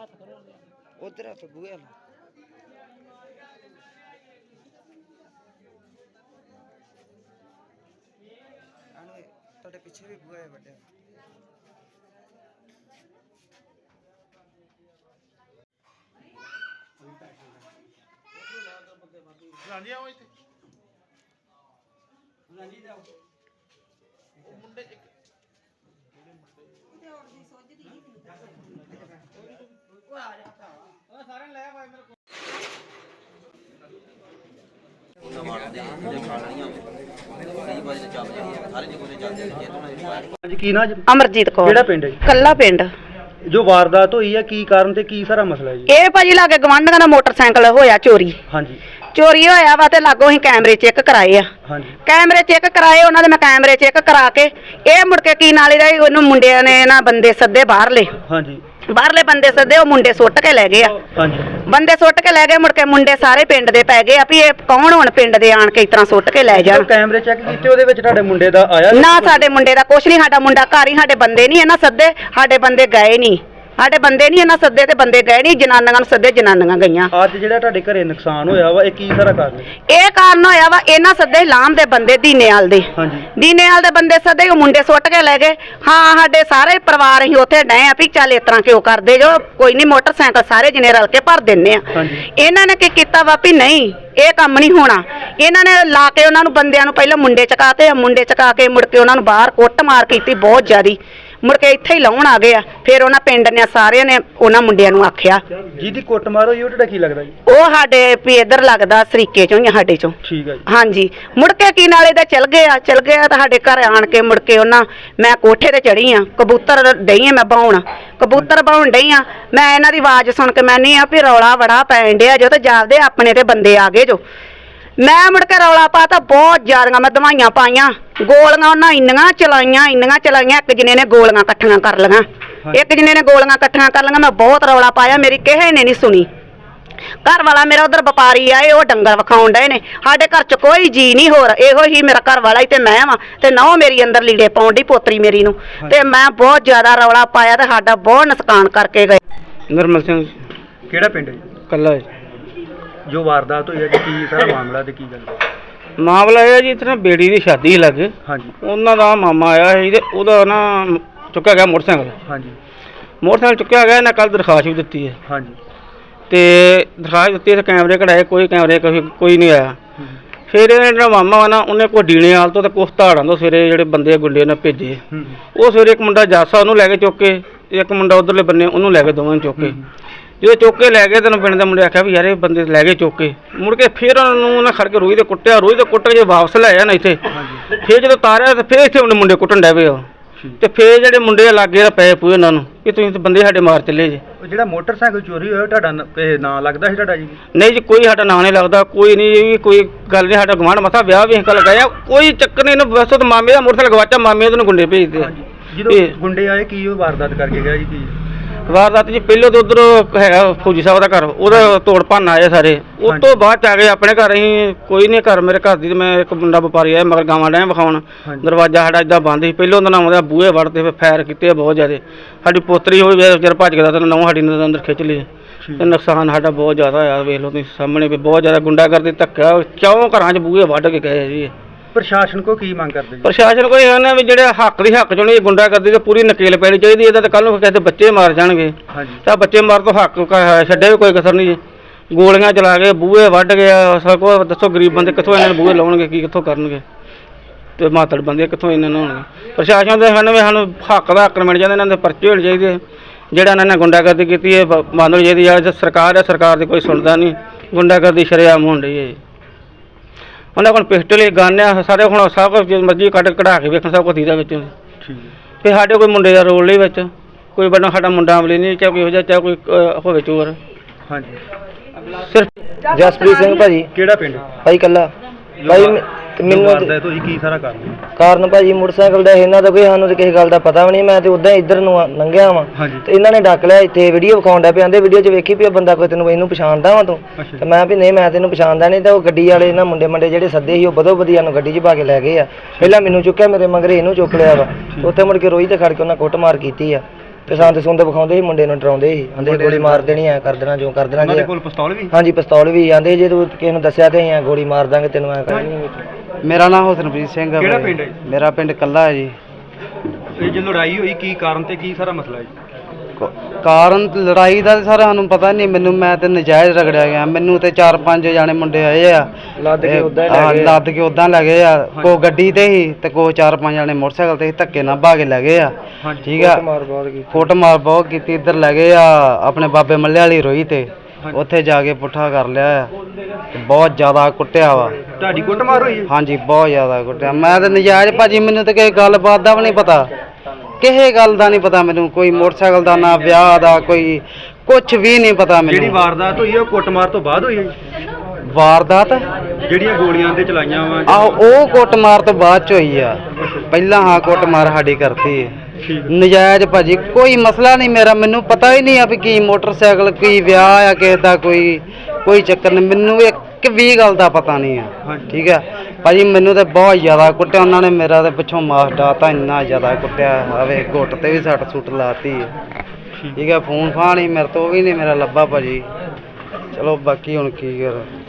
उधर हथ बूहे पिछे भी बूहा है बड़े अमरजीत कौर ਕਿਹੜਾ ਪਿੰਡ ਹੈ ਜੀ? ਕੱਲਾ ਪਿੰਡ ਜੋ ਵਾਰਦਾਤ ਹੋਈ ਹੈ ਕੀ ਕਾਰਨ ਤੇ ਕੀ ਸਾਰਾ ਮਸਲਾ ਹੈ ਜੀ? ਇਹ ਭਾਜੀ ਲਾਗੇ ਗਵਾਂਢੀਆਂ ਦਾ ਮੋਟਰਸਾਈਕਲ ਹੋਇਆ ਚੋਰੀ। ਹਾਂਜੀ ਚੋਰੀ ਹੋਇਆ ਵਾ ਤੇ ਲਾਗੋਂ ਅਸੀਂ ਕੈਮਰੇ ਚੈੱਕ ਕਰਾਏ ਆ। ਹਾਂਜੀ ਕੈਮਰੇ ਚੈੱਕ ਕਰਾਏ ਉਹਨਾਂ ਦੇ ਮੈਂ ਕੈਮਰੇ ਚੈੱਕ ਕਰਾ ਕੇ ਇਹ ਮੁੜ ਕੇ ਕੀ ਨਾਲੇ ਦਾ ਉਹਨੂੰ ਮੁੰਡਿਆਂ ਨੇ ਨਾ ਬੰਦੇ ਸੱਦੇ ਬਾਹਰਲੇ। ਹਾਂਜੀ ਬਾਹਰਲੇ ਬੰਦੇ ਸੱਦੇ ਉਹ ਮੁੰਡੇ ਸੁੱਟ ਕੇ ਲੈ ਗਏ ਆ। ਹਾਂਜੀ ਬੰਦੇ ਸੁੱਟ ਕੇ ਲੈ ਗਏ ਮੁੜ ਕੇ ਮੁੰਡੇ ਸਾਰੇ ਪਿੰਡ ਦੇ ਪੈ ਗਏ ਆ ਵੀ ਇਹ ਕੌਣ ਹੁਣ ਪਿੰਡ ਦੇ ਆਣ ਕੇ ਇਸ ਤਰ੍ਹਾਂ ਸੁੱਟ ਕੇ ਲੈ ਜਾਣ। ਕੈਮਰੇ ਚੈੱਕ ਕੀਤੇ ਉਹਦੇ ਵਿੱਚ ਤੁਹਾਡੇ ਮੁੰਡੇ ਦਾ ਆਇਆ ਨਾ ਸਾਡੇ ਮੁੰਡੇ ਦਾ ਕੁਛ ਨਹੀਂ। ਸਾਡਾ ਮੁੰਡਾ ਘਰ ਹੀ ਸਾਡੇ ਬੰਦੇ ਨਹੀਂ ਇਹਨਾਂ ਸੱਦੇ ਸਾਡੇ ਬੰਦੇ ਗਏ ਨਹੀਂ। ਸਾਡੇ ਬੰਦੇ ਨਹੀਂ ਇਹਨਾਂ ਸੱਦੇ ਤੇ ਬੰਦੇ ਗਏ ਨਹੀਂ। ਜਨਾਨੀਆਂ ਨੂੰ ਸੱਦੇ ਜਨਾਨੀਆਂ ਗਈਆਂ। ਅੱਜ ਜਿਹੜਾ ਤੁਹਾਡੇ ਘਰੇ ਨੁਕਸਾਨ ਹੋਇਆ ਵਾ ਇਹ ਕੀ ਸਾਰਾ ਕਾਰਨ ਹੈ? ਇਹ ਕਾਰਨ ਹੋਇਆ ਵਾ ਇਹਨਾਂ ਸੱਦੇ ਲਾਮ ਦੇ ਬੰਦੇ ਦੀਨੇਵਾਲ ਦੇ। ਹਾਂਜੀ ਦੀਨੇਵਾਲ ਦੇ ਬੰਦੇ ਸੱਦੇ ਉਹ ਮੁੰਡੇ ਸੁੱਟ ਕੇ ਲੈ ਗਏ। ਹਾਂ ਸਾਡੇ ਸਾਰੇ ਪਰਿਵਾਰ ਅਸੀਂ ਉੱਥੇ ਡਏ ਆ ਵੀ ਚੱਲ ਇਸ ਤਰ੍ਹਾਂ ਕਿਉਂ ਕਰਦੇ ਜੋ ਕੋਈ ਨਹੀਂ ਮੋਟਰਸਾਈਕਲ ਸਾਰੇ ਜਣੇ ਰਲ ਕੇ ਭਰ ਦਿੰਨੇ ਆ। ਇਹਨਾਂ ਨੇ ਕੀ ਕੀਤਾ ਵਾ ਵੀ ਨਹੀਂ ਇਹ ਕੰਮ ਨਹੀਂ ਹੋਣਾ। ਇਹਨਾਂ ਨੇ ਲਾ ਕੇ ਉਹਨਾਂ ਨੂੰ ਬੰਦਿਆਂ ਨੂੰ ਪਹਿਲਾਂ ਮੁੰਡੇ ਚਕਾਤੇ ਮੁੰਡੇ ਚਕਾ ਕੇ ਮੁੜ ਕੇ ਉਹਨਾਂ ਨੂੰ ਬਾਹਰ ਕੁੱਟਮਾਰ ਕੀਤੀ ਬਹੁਤ ਜ਼ਿਆਦੀ। ਮੁੜ ਕੇ ਇੱਥੇ ਹੀ ਲਾਉਣ ਆ ਗਏ ਆ। ਫਿਰ ਉਹਨਾਂ ਪਿੰਡ ਨੇ ਸਾਰਿਆਂ ਨੇ ਉਹਨਾਂ ਮੁੰਡਿਆਂ ਨੂੰ ਆਖਿਆ ਜਿਹਦੀ ਕੁੱਟਮਾਰ ਹੋਈ ਉਹ ਤੁਹਾਡਾ ਕੀ ਲੱਗਦਾ ਜੀ? ਉਹ ਸਾਡੇ ਵੀ ਇੱਧਰ ਲੱਗਦਾ ਸਰੀਕੇ ਚੋਂ ਹੀ ਸਾਡੇ ਚੋਂ। ਠੀਕ ਹੈ ਜੀ। ਹਾਂਜੀ ਮੁੜ ਕੇ ਕੀ ਨਾਲੇ ਦਾ ਚਲ ਗਏ ਆ ਤਾਂ ਸਾਡੇ ਘਰ ਆਣ ਕੇ ਮੁੜ ਕੇ ਉਹਨਾਂ ਮੈਂ ਕੋਠੇ ਤੇ ਚੜੀ ਆ ਕਬੂਤਰ ਡਈ ਆ ਮੈਂ ਬਾਉਣ ਕਬੂਤਰ ਬਾਉਣ ਡਈ ਆ। ਮੈਂ ਇਹਨਾਂ ਦੀ ਆਵਾਜ਼ ਸੁਣ ਕੇ ਮੈਂ ਨਹੀਂ ਆ ਵੀ ਰੌਲਾ ਬੜਾ ਪੈਣ ਡਿਆ ਜੋ ਤੇ ਜਾਪਦੇ ਆਪਣੇ ਤੇ ਬੰਦੇ ਆ ਗਏ ਜੋ। ਮੈਂ ਮੁੜ ਕੇ ਰੌਲਾ ਪਾਤਾ ਬਹੁਤ ਜ਼ਿਆਦੀਆਂ ਮੈਂ ਦਵਾਈਆਂ ਪਾਈਆਂ ਗੋਲੀਆਂ ਉਹਨਾਂ ਇੰਨੀਆਂ ਚਲਾਈਆਂ ਇੱਕ ਜਣੇ ਨੇ ਗੋਲੀਆਂ ਇਕੱਠੀਆਂ ਕਰ ਲਈਆਂ। ਇੱਕ ਜਣੇ ਨੇ ਗੋਲੀਆਂ ਇਕੱਠੀਆਂ ਕਰ ਲਈਆਂ। ਮੈਂ ਬਹੁਤ ਰੌਲਾ ਪਾਇਆ ਮੇਰੀ ਕਿਸੇ ਨੇ ਨਹੀਂ ਸੁਣੀ। ਘਰ ਵਾਲਾ ਮੇਰਾ ਉਧਰ ਵਪਾਰੀ ਆਏ ਉਹ ਡੰਗਰ ਵਿਖਾਉਣ ਡਏ ਨੇ। ਸਾਡੇ ਘਰ ਚ ਕੋਈ ਜੀ ਨਹੀਂ ਹੋਰ ਇਹੋ ਹੀ ਮੇਰਾ ਘਰ ਵਾਲਾ ਹੀ ਤੇ ਮੈਂ ਵਾਂ ਤੇ ਨਹੁੰ ਮੇਰੀ ਅੰਦਰ ਲੀੜੇ ਪਾਉਣ ਦੀ ਪੋਤਰੀ ਮੇਰੀ ਨੂੰ ਤੇ ਮੈਂ ਬਹੁਤ ਜ਼ਿਆਦਾ ਰੌਲਾ ਪਾਇਆ ਤੇ ਸਾਡਾ ਬਹੁਤ ਨੁਕਸਾਨ ਕਰਕੇ ਗਏ। ਨਿਰਮਲ ਸਿੰਘ ਕਿਹੜਾ ਪਿੰਡ ਹੈ? ਕੱਲਾ ਜੋ ਵਾਰਦਾਤ ਹੋਈ ਹੈ ਕਿ ਕੀ ਸਾਰਾ ਮਾਮਲਾ ਤੇ ਕੀ ਗੱਲ? ਮਾਮਲਾ ਇਹ ਹੈ ਜੀ ਇੱਥੇ ਨਾ ਬੇੜੀ ਦੀ ਸ਼ਾਦੀ ਲੱਗ ਹਾਂਜੀ ਉਹਨਾਂ ਦਾ ਮਾਮਾ ਆਇਆ ਸੀ ਤੇ ਉਹਦਾ ਨਾ ਚੁੱਕਿਆ ਗਿਆ ਮੋਟਰਸਾਈਕਲ। ਹਾਂਜੀ ਮੋਟਰਸਾਈਕਲ ਚੁੱਕਿਆ ਗਿਆ ਇਹਨਾਂ ਕੱਲ ਦਰਖਾਸਤ ਵੀ ਦਿੱਤੀ ਹੈ ਹਾਂਜੀ ਤੇ ਦਰਖਾਸਤ ਦਿੱਤੀ ਤੇ ਕੈਮਰੇ ਕਢਾਏ ਕੋਈ ਕੈਮਰੇ ਕੋਈ ਨਹੀਂ ਆਇਆ। ਫਿਰ ਇਹ ਜਿਹੜਾ ਮਾਮਾ ਵਾ ਨਾ ਉਹਨੇ ਕੋਈ ਡੀਣੇਵਾਲ ਤੋਂ ਤੇ ਕੁਛ ਧਾੜਾਂ ਤੋਂ ਸਵੇਰੇ ਜਿਹੜੇ ਬੰਦੇ ਗੁੰਡੇ ਨੇ ਭੇਜੇ। ਉਹ ਸਵੇਰੇ ਇੱਕ ਮੁੰਡਾ ਜਾਸਾ ਉਹਨੂੰ ਲੈ ਕੇ ਚੁੱਕ ਕੇ ਇੱਕ ਮੁੰਡਾ ਉਧਰਲੇ ਬੰਨੇ ਉਹਨੂੰ ਲੈ ਕੇ ਦੋਵਾਂ ਨੂੰ ਚੁੱਕ ਕੇ ਜਦੋਂ ਚੁੱਕ ਕੇ ਲੈ ਗਏ ਤੈਨੂੰ ਪਿੰਡ ਦੇ ਮੁੰਡੇ ਆਖਿਆ ਵੀ ਯਾਰ ਇਹ ਬੰਦੇ ਲੈ ਕੇ ਚੁੱਕ ਕੇ ਮੁੜ ਕੇ ਫਿਰ ਉਹਨਾਂ ਖੜ ਕੇ ਰੋਈ ਤੇ ਕੁੱਟਿਆ ਕੁੱਟ ਕੇ ਜੇ ਵਾਪਸ ਲੈ ਆਇਆ ਨਾ ਇੱਥੇ ਫਿਰ ਜਦੋਂ ਤਾਰਿਆ ਤੇ ਫਿਰ ਇੱਥੇ ਉਹਨੇ ਮੁੰਡੇ ਕੁੱਟਣ ਡੈ ਪਏ ਤੇ ਫਿਰ ਜਿਹੜੇ ਮੁੰਡੇ ਲਾਗੇ ਪਏ ਪੂਏ ਉਹਨਾਂ ਨੂੰ ਕਿ ਤੁਸੀਂ ਬੰਦੇ ਸਾਡੇ ਮਾਰ ਚੱਲੇ ਜੇ। ਜਿਹੜਾ ਮੋਟਰਸਾਈਕਲ ਚੋਰੀ ਹੋਇਆ ਤੁਹਾਡਾ ਨਾਂ ਲੱਗਦਾ ਸੀ ਤੁਹਾਡਾ ਜੀ? ਨਹੀਂ ਜੀ ਕੋਈ ਸਾਡਾ ਨਾਂ ਨਹੀਂ ਲੱਗਦਾ ਕੋਈ ਨਹੀਂ ਕੋਈ ਗੱਲ ਨਹੀਂ। ਸਾਡਾ ਗਵਾਂਢ ਮਸਾ ਵਿਆਹ ਵੀ ਕੱਲ ਗਏ ਕੋਈ ਚੱਕਰ ਨਹੀਂ। ਇਹਨੂੰ ਬਸ ਤਾਂ ਮਾਮੇ ਦਾ ਮੋਟਰਸਾਈਕਲ ਗਵਾਚਾ ਮਾਮੇ ਉਹਨੂੰ ਗੁੰਡੇ ਭੇਜਦੇ। ਜਦੋਂ ਗੁੰਡੇ ਆਏ ਕੀ ਉਹ ਵਾਰਦਾਤ ਕਰਕੇ ਗਿਆ ਜੀ? ਕੀ ਵਾਰਦਾਤ ਜੀ ਪਹਿਲੋਂ ਤਾਂ ਉਧਰ ਹੈਗਾ ਫੌਜੀ ਸਾਹਿਬ ਦਾ ਘਰ ਉਹਦਾ ਤੋੜ ਭੰਨ ਆਏ ਸਾਰੇ। ਉਸ ਤੋਂ ਬਾਅਦ ਚ ਆ ਗਏ ਆਪਣੇ ਘਰ। ਅਸੀਂ ਕੋਈ ਨਹੀਂ ਘਰ ਮੇਰੇ ਘਰ ਦੀ ਤੇ ਮੈਂ ਇੱਕ ਮੁੰਡਾ ਵਪਾਰੀ ਆਇਆ ਮਗਰ ਗਾਵਾਂ ਡੈਂ ਵਿਖਾਉਣ ਦਰਵਾਜ਼ਾ ਸਾਡਾ ਇੱਦਾਂ ਬੰਦ ਸੀ। ਪਹਿਲੋਂ ਤਾਂ ਨਾ ਬੂਹੇ ਵੜਦੇ ਫਿਰ ਫਾਇਰ ਕੀਤੇ ਬਹੁਤ ਜ਼ਿਆਦਾ। ਸਾਡੀ ਪੋਤਰੀ ਹੋਈ ਵਿਚਾਰ ਭੱਜ ਗਿਆ ਤਾਂ ਨੌਂ ਸਾਡੀ ਨੇ ਅੰਦਰ ਖਿੱਚ ਲਈ ਤੇ ਨੁਕਸਾਨ ਸਾਡਾ ਬਹੁਤ ਜ਼ਿਆਦਾ ਹੋਇਆ। ਵੇਖ ਲਓ ਤੁਸੀਂ ਸਾਹਮਣੇ ਵੀ ਬਹੁਤ ਜ਼ਿਆਦਾ ਗੁੰਡਾਗਰਦੀ ਧੱਕਾ 4 ਘਰਾਂ 'ਚ ਬੂਹੇ ਵੱਢ ਕੇ ਗਏ ਜੀ। ਪ੍ਰਸ਼ਾਸਨ ਕੋ ਕੀ ਮੰਗ ਕਰਦੇ ਜੀ? ਪ੍ਰਸ਼ਾਸਨ ਕੋਈ ਇਹਨਾਂ ਵੀ ਜਿਹੜੇ ਹੱਕ ਦੀ ਹੱਕ ਚੋਂ ਨਹੀਂ ਗੁੰਡਾਗਰਦੀ ਤੇ ਪੂਰੀ ਨਕੇਲ ਪੈਣੀ ਚਾਹੀਦੀ। ਇਹਦਾ ਤਾਂ ਕੱਲ ਨੂੰ ਕਿਸੇ ਬੱਚੇ ਮਾਰ ਜਾਣਗੇ ਤਾਂ ਬੱਚੇ ਮਾਰ ਤੋਂ ਹੱਕ ਛੱਡੇ ਵੀ ਕੋਈ ਕਸਰ ਨਹੀਂ ਜੀ। ਗੋਲੀਆਂ ਚਲਾ ਕੇ ਬੂਹੇ ਵੱਢ ਗਿਆ ਸਭ ਕੁਝ। ਦੱਸੋ ਗਰੀਬ ਬੰਦੇ ਕਿੱਥੋਂ ਇਹਨਾਂ ਨੂੰ ਬੂਹੇ ਲਾਉਣਗੇ ਕੀ ਕਿੱਥੋਂ ਕਰਨਗੇ ਤੇ ਮਾਤੜ ਬੰਦੇ ਕਿੱਥੋਂ ਇਹਨਾਂ ਨੂੰ ਹੋਣਗੇ। ਪ੍ਰਸ਼ਾਸਨ ਦੇ ਸਾਨੂੰ ਹੱਕ ਦਾ ਹੱਕ ਮਿਲ ਜਾਂਦਾ। ਇਹਨਾਂ ਦੇ ਪਰਚੇ ਹੋਣੇ ਚਾਹੀਦੇ ਜਿਹੜਾ ਇਹਨਾਂ ਨੇ ਗੁੰਡਾਗਰਦੀ ਕੀਤੀ ਹੈ ਬੰਦ ਹੋਣੀ ਚਾਹੀਦੀ ਹੈ। ਸਰਕਾਰ ਹੈ ਸਰਕਾਰ ਦੀ ਕੋਈ ਸੁਣਦਾ ਨਹੀਂ। ਗੁੰਡਾਗਰਦੀ ਸ਼ਰੇਆਮ ਹੋਣ ਰਹੀ ਹੈ। ਉਹਨਾਂ ਕੋਲ ਪਿਸਟਲ ਗਨ ਆ ਸਾਰੇ ਹੁਣ ਸਭ ਕੁਝ ਮਰਜ਼ੀ ਕੱਢ ਕਢਾ ਕੇ ਵੇਖਣ ਸਭ ਕੁਝ ਦੀਦਾ ਵਿੱਚ। ਫਿਰ ਸਾਡੇ ਕੋਈ ਮੁੰਡੇ ਦਾ ਰੋਲ ਨਹੀਂ ਵਿੱਚ ਕੋਈ ਵੱਡਾ ਸਾਡਾ ਮੁੰਡਾ ਅਮਲੀ ਨਹੀਂ ਚਾਹੇ ਕੋਈ ਇਹੋ ਜਿਹਾ ਚਾਹੇ ਕੋਈ ਹੋਵੇ ਚੋਰ। ਹਾਂਜੀ ਸਿਰਫ ਜਸਪ੍ਰੀਤ ਸਿੰਘ ਭਾਜੀ। ਕਿਹੜਾ ਪਿੰਡ ਭਾਈ ਕੱਲਾ ਭਾਈ ਮੈਨੂੰ ਤੁਸੀਂ ਕੀ ਸਾਰਾ ਕਾਰਨ ਭਾਜੀ ਮੋਟਰਸਾਈਕਲ ਦਾ ਇਹਨਾਂ ਦਾ ਕੋਈ ਸਾਨੂੰ ਤੇ ਕਿਸੇ ਗੱਲ ਦਾ ਪਤਾ ਵੀ ਨਹੀਂ। ਮੈਂ ਤੇ ਉਦਾਂ ਇੱਧਰ ਨੂੰ ਲੰਘਿਆ ਵਾਂ ਤੇ ਇਹਨਾਂ ਨੇ ਡੱਕ ਲਿਆ ਇੱਥੇ ਵੀਡੀਓ ਵਿਖਾਉਣ ਡਿਆ ਪਿਆ। ਵੀਡੀਓ 'ਚ ਵੇਖੀ ਵੀ ਬੰਦਾ ਕੋਈ ਤੈਨੂੰ ਇਹਨੂੰ ਪਛਾਣਦਾ ਵਾ ਤੂੰ? ਤੇ ਮੈਂ ਵੀ ਨਹੀਂ ਮੈਂ ਤੈਨੂੰ ਪਛਾਣਦਾ ਨਹੀਂ। ਤਾਂ ਉਹ ਗੱਡੀ ਵਾਲੇ ਇਹਨਾਂ ਮੁੰਡੇ ਜਿਹੜੇ ਸੱਦੇ ਸੀ ਉਹ ਬਦੋ ਵਧੀਆ ਨੂੰ ਗੱਡੀ 'ਚ ਪਾ ਕੇ ਲੈ ਗਏ ਆ। ਪਹਿਲਾਂ ਮੈਨੂੰ ਚੁੱਕਿਆ ਮੇਰੇ ਮਗਰੇ ਇਹਨੂੰ ਚੁੱਕ ਲਿਆ ਵਾ। ਉੱਥੇ ਮੁੜ ਕੇ ਰੋਈ ਤੇ ਖੜ ਕੇ ਉਹਨਾਂ ਕੁੱਟਮਾਰ ਕੀਤੀ ਆ। ਤੇ ਸੰਦ ਸੁੰਦ ਵਿਖਾਉਂਦੇ ਸੀ, ਮੁੰਡੇ ਨੂੰ ਡਰਾਉਂਦੇ ਸੀ, ਆਂਦੇ ਗੋਲੀ ਮਾਰ ਦੇਣੀ, ਐ ਕਰ ਦੇਣਾ, ਜੋ ਕਰ ਦੇਣਾ। ਉਹਨਾਂ ਦੇ ਕੋਲ ਪਿਸਤੌਲ ਵੀ? ਹਾਂਜੀ ਪਿਸਤੌਲ ਵੀ। ਆਂਦੇ ਜੇ ਤੂੰ ਕਿਸੇ ਨੂੰ ਦੱਸਿਆ ਤੇ ਅਸੀਂ ਗੋਲੀ ਮਾਰ ਦਾਂਗੇ ਤੈਨੂੰ, ਐ ਕਰਨੀ। ਮੇਰਾ ਨਾਮ ਹੁਸਨਪ੍ਰੀਤ ਸਿੰਘ ਹੈ। ਕਿਹੜਾ ਪਿੰਡ ਹੈ? ਮੇਰਾ ਪਿੰਡ ਕੱਲਾ ਹੈ ਜੀ। ਇਹ ਜੇ ਲੜਾਈ ਹੋਈ ਕੀ ਕਾਰਨ ਤੇ ਕੀ ਸਾਰਾ ਮਸਲਾ ਹੈ? ਕਾਰਨ ਲੜਾਈ ਦਾ ਤਾਂ ਸਾਰਾ ਸਾਨੂੰ ਪਤਾ ਨਹੀਂ, ਮੈਂ ਤੇ ਨਜਾਇਜ਼ ਰਗੜਿਆ ਗਿਆ। ਮੈਨੂੰ ਤੇ 4-5 ਜਾਣੇ ਮੁੰਡੇ ਆਏ ਆ, ਲੱਦ ਕੇ ਉਦਾਂ ਲੈ ਗਏ ਆ। ਕੋ ਗੱਡੀ ਤੇ ਹੀ ਤੇ ਕੋ 4-5 ਜਾਣੇ ਮੋਟਰਸਾਈਕਲ ਤੇ ਧੱਕੇ ਨਾਲ ਭਾ ਕੇ ਲੈ ਗਏ ਆ। ਠੀਕ ਆ, ਕੁੱਟ ਮਾਰ ਬਹੁਤ ਕੀਤੀ। ਇੱਧਰ ਲੈ ਗਏ ਆ ਆਪਣੇ ਬਾਬੇ ਮੱਲੇ ਵਾਲੀ ਰੋਈ ਤੇ, ਉੱਥੇ ਜਾ ਕੇ ਪੁੱਠਾ ਕਰ ਲਿਆ ਆ। ਬਹੁਤ ਜ਼ਿਆਦਾ ਕੁੱਟਿਆ ਵਾ। ਤੁਹਾਡੀ ਕੁੱਟਮਾਰ ਹੋਈ ਹੈ? ਹਾਂਜੀ ਬਹੁਤ ਜ਼ਿਆਦਾ ਕੁੱਟਿਆ। ਮੈਂ ਤੇ ਨਜਾਇਜ਼ ਭਾਜੀ, ਮੈਨੂੰ ਤੇ ਕਿਸੇ ਗੱਲਬਾਤ ਦਾ ਵੀ ਨਹੀਂ ਪਤਾ, ਕਿਸੇ ਗੱਲ ਦਾ ਨਹੀਂ ਪਤਾ ਮੈਨੂੰ, ਕੋਈ ਮੋਟਰਸਾਈਕਲ ਦਾ ਨਾ ਵਿਆਹ ਦਾ, ਕੋਈ ਕੁਝ ਵੀ ਨਹੀਂ ਪਤਾ ਮੈਨੂੰ। ਜਿਹੜੀ ਵਾਰਦਾਤ ਹੋਈ ਹੈ ਉਹ ਕੁੱਟਮਾਰ ਤੋਂ ਬਾਅਦ ਹੋਈ ਹੈ ਜੀ? ਵਾਰਦਾਤ ਜਿਹੜੀਆਂ ਗੋਲੀਆਂ ਤੇ ਚਲਾਈਆਂ ਵਾ? ਆਹੋ ਉਹ ਕੁੱਟਮਾਰ ਤੋਂ ਬਾਅਦ ਚ ਹੋਈ ਆ। ਪਹਿਲਾਂ ਹਾਂ ਕੁੱਟਮਾਰ ਸਾਡੀ ਕਰਤੀ ਹੈ ਨਜਾਇਜ਼ ਭਾਜੀ। ਕੋਈ ਮਸਲਾ ਨਹੀਂ ਮੇਰਾ, ਮੈਨੂੰ ਪਤਾ ਹੀ ਨਹੀਂ ਆ ਵੀ ਕੀ ਮੋਟਰਸਾਈਕਲ, ਕੀ ਵਿਆਹ ਆ ਕਿਸੇ ਦਾ, ਕੋਈ ਚੱਕਰ ਨਹੀਂ। ਮੈਨੂੰ ਇੱਕ ਵੀ ਗੱਲ ਦਾ ਪਤਾ ਨਹੀਂ ਆ। ਠੀਕ ਹੈ ਭਾਜੀ, ਮੈਨੂੰ ਤੇ ਬਹੁਤ ਜ਼ਿਆਦਾ ਕੁੱਟਿਆ ਉਹਨਾਂ ਨੇ। ਮੇਰਾ ਤੇ ਪਿੱਛੋਂ ਮਾਰ ਡਾਤਾ, ਇੰਨਾ ਜ਼ਿਆਦਾ ਕੁੱਟਿਆ। ਆਵੇ ਗੁੱਟ ਤੇ ਵੀ ਸੱਟ ਸੁੱਟ ਲਾਤੀ ਹੈ। ਠੀਕ ਹੈ, ਫੋਨ ਫਾਨ ਹੀ ਮੇਰੇ ਤੋਂ ਵੀ ਨਹੀਂ ਮੇਰਾ ਲੱਭਾ ਭਾਜੀ। ਚਲੋ ਬਾਕੀ ਹੁਣ ਕੀ ਕਰ।